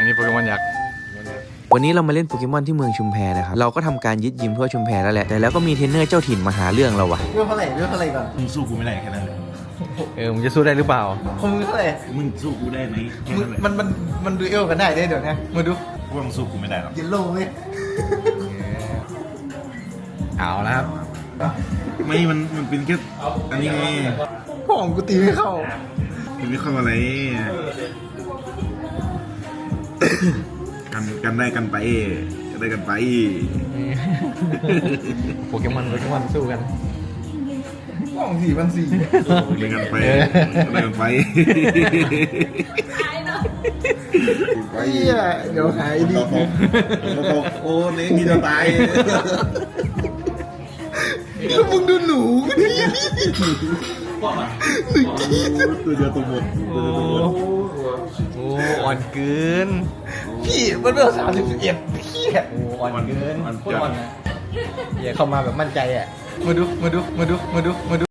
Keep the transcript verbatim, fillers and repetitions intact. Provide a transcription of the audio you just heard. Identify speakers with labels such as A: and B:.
A: อันนี้โปเกมอนยักษ์
B: วันนี้เรามาเล่นโปเกมอนที่เมืองชุมแพนะครับเราก็ทำการยึดยิมทั่วชุมแพแล้วแหละแต่แล้วก็มีเทรนเนอร์เจ้าถิ่นมาหาเรื่องเราว่ะ
C: เรื่องเท่าไหร่เรื่องเท่าไหร่ก่อน
D: มึงสู้กูไม่ได้แค่นั้นเลย
A: เออมึงจะสู้ได้หรือเปล่า
C: คงเท่าไหร่
D: มึงสู้กูได้ไหมแค่
C: มึง
D: นั้นเลย
C: มันมันมันดูเอลกันได้ได้เดี๋ยวนะมาดู
D: กูว่ามึงสู้กูไม่ได้หรอก
C: เยลโล่ไหม
A: เอาแล้วครับ
D: ไม่มันมันเป็นแค่อันนี้ไง
C: พ่อของกูตีไม่เข้า
D: มันไม่เข้าอะไรกันกันได้กันไปกันได้กันไป
A: โปเกมอนโปเกมอนสู้กัน
C: พ่อของสี่พันสี่
D: กันได้กันไปกันได้กันไป
C: ไอ้เหี้ยเดี๋ยวหายดี
D: ตกตกโอ้เนี่ยมีจะตาย
C: แล้วมึงดูหนูกูดิ
D: ตัวเดียวตัวหมดตัวเดียวตัวหมด
A: โอ้อ่อนเกิน
C: พี่มันเป็นสามสิบเอ็ดพี่
A: โอ้อ่อนเกิน
D: มัน
A: โคตร
D: จะ
A: อ่อนนะอย่าเข้ามาแบบมั่นใจอ่ะ
C: มาดูมาดูมาดูมาดูมาดู